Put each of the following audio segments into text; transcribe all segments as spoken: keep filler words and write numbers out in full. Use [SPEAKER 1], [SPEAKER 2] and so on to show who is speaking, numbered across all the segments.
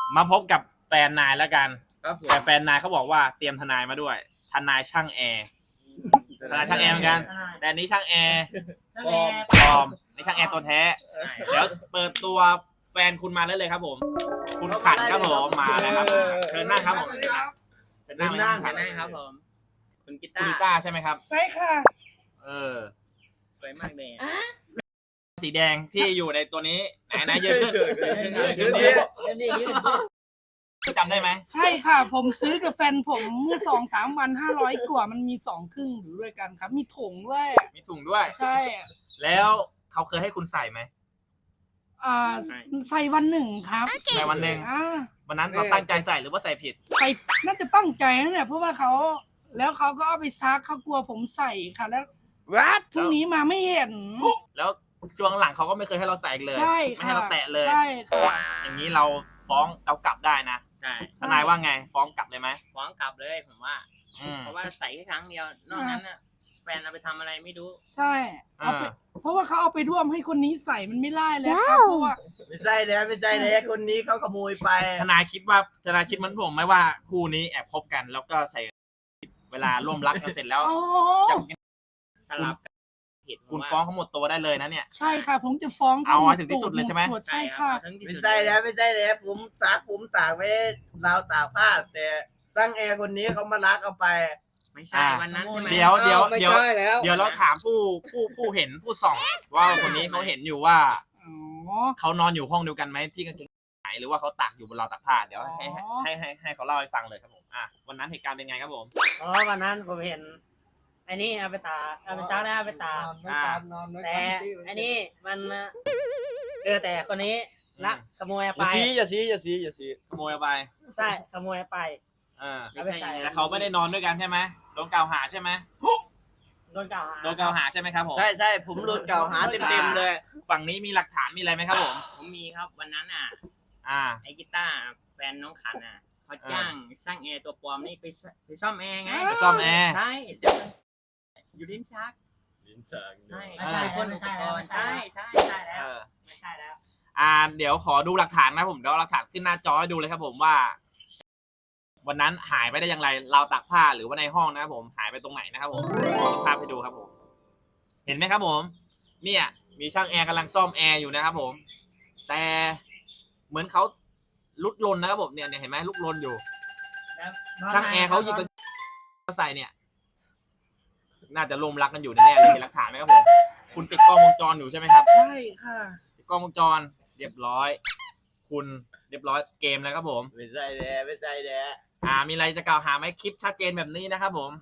[SPEAKER 1] มาพบกับแฟนนายแล้วกัน
[SPEAKER 2] ครับผม
[SPEAKER 1] แต่แฟนนายเขาบอกว่าเตรียมทนายมาด้วยทนายช่างแอร์ทนายช่างแอร์เหมือนกันแต่อันนี้ช่างแอร์
[SPEAKER 2] ปลอม
[SPEAKER 1] ปลอมนี่ช่างแอร์ตัวแท้เดี๋ยวเปิดตัวแฟนคุณมาเลยเลยครับผมคุณขันครับผมมาเลยครับเชิญนั่งครับผมเชิญนั่งเลยครับ
[SPEAKER 2] เชิญนั่งครับผมคุณกี
[SPEAKER 1] คุณ
[SPEAKER 2] ตา
[SPEAKER 1] ลิ
[SPEAKER 2] ร์
[SPEAKER 1] ต้าใช่ไหมครับ
[SPEAKER 3] ใช่ค่ะ
[SPEAKER 1] เออ
[SPEAKER 2] สวยมากเลย
[SPEAKER 1] สีแดงที่อยู่ในตัวนี้ไหนไหนยืนขึ้นยืน
[SPEAKER 2] นี่
[SPEAKER 1] นี้จำได้ไหม
[SPEAKER 3] ใช่ค่ะ ผมซื้อกับแฟนผมเมื่อสองสามวันห้าร้อยกว่ามันมีสองครึ่งอยู่ด้วยกันครับ มีถุงด้วย
[SPEAKER 1] มีถุงด้วย
[SPEAKER 3] ใช่
[SPEAKER 1] แล้วเขาเคยให้คุณใส่ไหม
[SPEAKER 3] อ่าใส่วันหนึ่งครับ
[SPEAKER 1] ใส่วันหนึ่ง
[SPEAKER 3] อ่า
[SPEAKER 1] วันนั้นเราตั้งใจใส่หรือว่าใส่ผิด
[SPEAKER 3] ใส่น่าจะตั้งใจนะเนี่ยเพราะว่าเขาแล้วเขาก็เอาไปซักเขากลัวผมใส่ค่ะ แล้วพรุ่งนี้มาไม่เห็น
[SPEAKER 1] แล้วช่วงหลังเขาก็ไม่เคยให้เราใส่เลย
[SPEAKER 3] ใช่
[SPEAKER 1] ไม่ให้
[SPEAKER 3] ค่ะ
[SPEAKER 1] เราแตะเลย
[SPEAKER 3] ใช่ค่ะ
[SPEAKER 1] อย่างนี้เราฟ้องเรากลับได้นะ
[SPEAKER 2] ใช่
[SPEAKER 1] ทนายว่าไงฟ้องกลับเลยไหม
[SPEAKER 2] ฟ้องกลับเลยผมว่า
[SPEAKER 1] อืม
[SPEAKER 2] เพราะว่าใส่แค่ครั้งเดียวนอกนั้นน่ะแฟนเอาไปทำอะไรไม่รู้
[SPEAKER 3] ใช่เอาไปเพราะว่าเขาเอาไปร่วมให้คนนี้ใส่มันไม่ได้แล้วครับเพราะว่า
[SPEAKER 4] ไม่ใช่แล้วไม่ใช่แล้วคนนี้เขาขโมยไป
[SPEAKER 1] ทนายคิดว่าทนายคิดเหมือนผมไหมว่าคู่นี้แอบคบกัน แล้วก็ใส่เวลาร่วมรักกันเสร็จแล้ว
[SPEAKER 3] อ๋อ
[SPEAKER 1] จะ
[SPEAKER 2] สลับกันผิด
[SPEAKER 1] คุณฟ้องเขาหมดตัวได้เลยนะเนี่ย
[SPEAKER 3] ใช่ค่ะ ผมจะฟ้อง
[SPEAKER 1] เอาให้ถึงที่สุดเลยใช่ไหม
[SPEAKER 3] ดใช่ค่ะ
[SPEAKER 2] ทั้งที่
[SPEAKER 4] ไม่
[SPEAKER 2] สุด
[SPEAKER 4] ใช่แล้วไม่ใช่แล้วผมซักผมตากไว้ราวตากผ้าแต่ช่างแอร์คนนี้เขามาลักเอาไป
[SPEAKER 2] ไม่ใช่วันนั้นใช่ไหม
[SPEAKER 1] เดี๋ยวเดี๋ยว
[SPEAKER 5] ไม่
[SPEAKER 1] เดี๋ยว
[SPEAKER 5] ใช่แล้ว
[SPEAKER 1] เดี๋ยวเราถามผู้ผู้ผู้เห็นผู้ส่อง ว่าคนนี้เขาเห็นอยู่ว่า
[SPEAKER 3] อ๋อ
[SPEAKER 1] เขานอนอยู่ห้องเดียวกันไหมที่กางเกงหายหรือว่าเขาตากอยู่บนราวตากผ้าเดี๋ยวให้
[SPEAKER 3] อ๋อ
[SPEAKER 1] ให้ให้ให้เขาเล่าให้ฟังเลยครับผมอ่ะวันนั้นเหตุการณ์เป็นไงครับผม
[SPEAKER 5] อ๋อวันนั้นผมเห็นไอ้นี่เอาไปตากเอาไปซักแล้วเอาไปตาก
[SPEAKER 1] อ่า
[SPEAKER 5] แต่ไอ้นี่มันเออแต่คนนี้ลักขโมย
[SPEAKER 4] อ
[SPEAKER 5] ไป
[SPEAKER 4] ย่าซีอย่าซีอย่าซีอย่าซี
[SPEAKER 1] ขโมยเอาไป
[SPEAKER 5] ใช่ขโมยไป
[SPEAKER 1] เออ
[SPEAKER 5] เอาไปใส่
[SPEAKER 1] แต่เขาไม่ได้นอนด้วยกันใช่ไหมโดนกล่าวหาใช่ไหม
[SPEAKER 5] โดนกล่าวหา
[SPEAKER 1] โดนกล่าวหาใช่ไหมครับผม
[SPEAKER 4] ใช่ใช่ผมโดนกล่าวหาเต็มเต็มๆเลย
[SPEAKER 1] ฝั่งนี้มีหลักฐานมีอะไรไหมครับผม
[SPEAKER 2] ผมมีครับวันนั้นอ่ะ
[SPEAKER 1] อ่า
[SPEAKER 2] ไอ้กีตาร์แฟนน้องขันอ่ะเขาจ้างช่างแอร์ตัวปลอมนี่ไปซไปซ่อมแอร์ไง
[SPEAKER 1] ไปซ่อมแอร์
[SPEAKER 2] ใช่เดี๋ยวอยู่ลิ้นชัก
[SPEAKER 4] ลิ้นชัก
[SPEAKER 2] ใช่
[SPEAKER 5] ไม่ใช่
[SPEAKER 2] พ่
[SPEAKER 5] พ่
[SPEAKER 2] น
[SPEAKER 5] น
[SPEAKER 2] อุ
[SPEAKER 5] ไม่
[SPEAKER 2] ป
[SPEAKER 5] ใช่
[SPEAKER 2] ก
[SPEAKER 5] แล้ว
[SPEAKER 2] ร
[SPEAKER 5] ไม่
[SPEAKER 2] ณ์
[SPEAKER 5] ใช่
[SPEAKER 2] ใช่
[SPEAKER 5] แล้ว
[SPEAKER 2] ใช่
[SPEAKER 5] ไม่ใช่แล้ว
[SPEAKER 1] เออ
[SPEAKER 5] ไม่ใช่แล้ว
[SPEAKER 1] อ่าเดี๋ยวขอดูหลักฐานนะผมเดี๋ยวเอาหลักฐานขึ้นหน้าจอให้ดูเลยครับผมว่า วันนั้นหายไปได้อย่างไรเราวตากผ้าหรือว่าในห้องนะครับผมหายไปตรงไหนนะครับผมขึ้นภาพให้ดูครับผม เห็นไหมครับผม เนี่ยมีช่างแอร์กำลังซ่อมแอร์อยู่นะครับผม แต่เหมือนเขาลุกลนนะครับผมเนี่ยเนี่ยเห็นไหมลุกลนอยู่ ช่างแอร์เขาหยิบกางเกงมาใส่เนี่ย น่าจะรวมรักกันอยู่แน่ๆเลยมีหลักฐานไหมครับผมคุณติดกล้องวงจรอยู่ใช่ไหมครับ
[SPEAKER 3] ใช่ค่ะ
[SPEAKER 1] ติดกล้องวงจร เรียบร้อย คุณเรียบร้อยเกมแล้วครับผม
[SPEAKER 4] ไม่ใช่แล้วไม่ใช่แล้ว
[SPEAKER 1] อ่า มีอะไรจะกล่าวหาไหมคลิปชัดเจนแบบนี้นะครับผม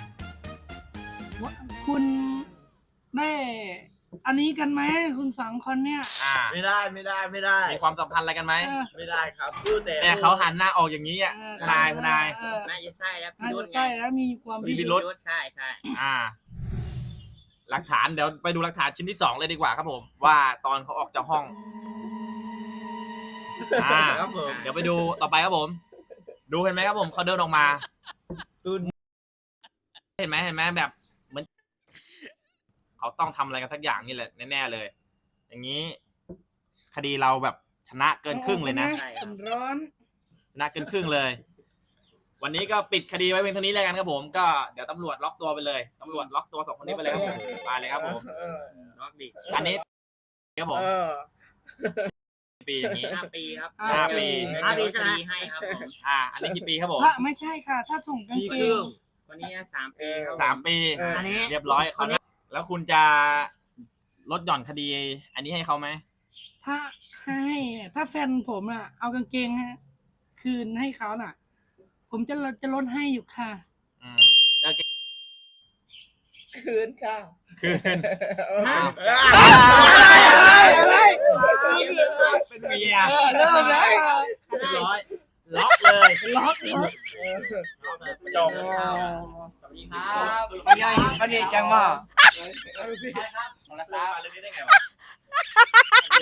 [SPEAKER 3] คุณได้อันนี้กันไหมคุณสองคนเนี่ย
[SPEAKER 1] อ่า
[SPEAKER 4] ไม่ได้ไม่ได้ไม่ได้
[SPEAKER 1] มีความสัมพันธ์อะไรกันไหม
[SPEAKER 3] เออ
[SPEAKER 4] ไม่ได้ครับพูดแต่
[SPEAKER 1] เนี่ยเขาหันหน้าออกอย่างนี้อ่ะ
[SPEAKER 3] เออ
[SPEAKER 1] ทนายทนาย
[SPEAKER 3] เออ
[SPEAKER 2] น่าจะใช่แล้ว
[SPEAKER 3] น่า
[SPEAKER 2] พี่รุ่
[SPEAKER 3] จะ
[SPEAKER 2] นไง
[SPEAKER 3] ใช่แล้วมีความ
[SPEAKER 1] มี
[SPEAKER 3] พิ
[SPEAKER 1] พิ
[SPEAKER 3] รุ
[SPEAKER 1] รุ
[SPEAKER 3] ธ
[SPEAKER 1] ธ
[SPEAKER 2] ใช่ใช่
[SPEAKER 1] อ่า หลักฐานเดี๋ยวไปดูหลักฐานชิ้นที่สองเลยดีกว่าครับผม ว่าตอนเขาออกจากห้อง อ่า
[SPEAKER 4] ครับผม
[SPEAKER 1] เดี๋ยวไปดูต่อไปครับผม ดูเห็นไหมครับผมเขาเดินออกมา
[SPEAKER 4] ตุน
[SPEAKER 1] เห็นไหมเห็นไหมแบบเหมือนเขาต้องทำอะไรกันสักอย่างนี่แหละแน่ๆเลย อย่างนี้ คดีเราแบบชนะเกินครึ่งเลยนะ
[SPEAKER 3] ผมร้อน
[SPEAKER 1] ชนะเกินครึ่งเลย วันนี้ก็ปิดคดีไว้เพียงเท่านี้แล้วกันครับผม ก็เดี๋ยวตำรวจล็อกตัวไปเลยตำรวจล็อกตัวสองคนนี้ไปเลยครับผมมาเลยครับผม
[SPEAKER 4] เออ
[SPEAKER 2] ล็อกดิ
[SPEAKER 1] อันนี้ครับผม
[SPEAKER 4] เออ
[SPEAKER 1] ปีอย่างนี้
[SPEAKER 2] ห้าปีครับ
[SPEAKER 1] ห้าปี
[SPEAKER 2] ห้าปีคดีให้ครับผม
[SPEAKER 1] อ่า อันนี้กี่ปีครับผม
[SPEAKER 3] ถ้าไม่ใช่ค่ะ ถ้าส่งกาง
[SPEAKER 4] ปี
[SPEAKER 3] เก
[SPEAKER 4] ครึ่
[SPEAKER 3] ง
[SPEAKER 4] ง
[SPEAKER 2] คนนี้สามปีครับ
[SPEAKER 1] สามปี
[SPEAKER 4] เออ
[SPEAKER 5] อันนี้
[SPEAKER 1] เรียบร้อยเขาวหน้าแล้วคุณจะลดหย่อนคดี อันนี้ให้เขาไหม
[SPEAKER 3] ถ้าให้เนี่ยถ้าแฟนผมอ่ะ เอากางเกงฮะคืนให้เขาน่ะ ผมจะจะลดให้อยู่ค่ะ
[SPEAKER 1] อืมแล้วเก
[SPEAKER 4] คืนค่ะ
[SPEAKER 1] คืน
[SPEAKER 4] เออ
[SPEAKER 1] เป็นเมีย
[SPEAKER 3] เริ่มแล้ว
[SPEAKER 1] เรียบร้อย ล็อกเลย
[SPEAKER 3] ล็อกล็อก
[SPEAKER 1] จบ
[SPEAKER 2] สวัสดีครับ
[SPEAKER 5] ปัญญาปัญญาจังว่า
[SPEAKER 1] โทรศัพท์มาเรื่องนี้ได้ไงวะ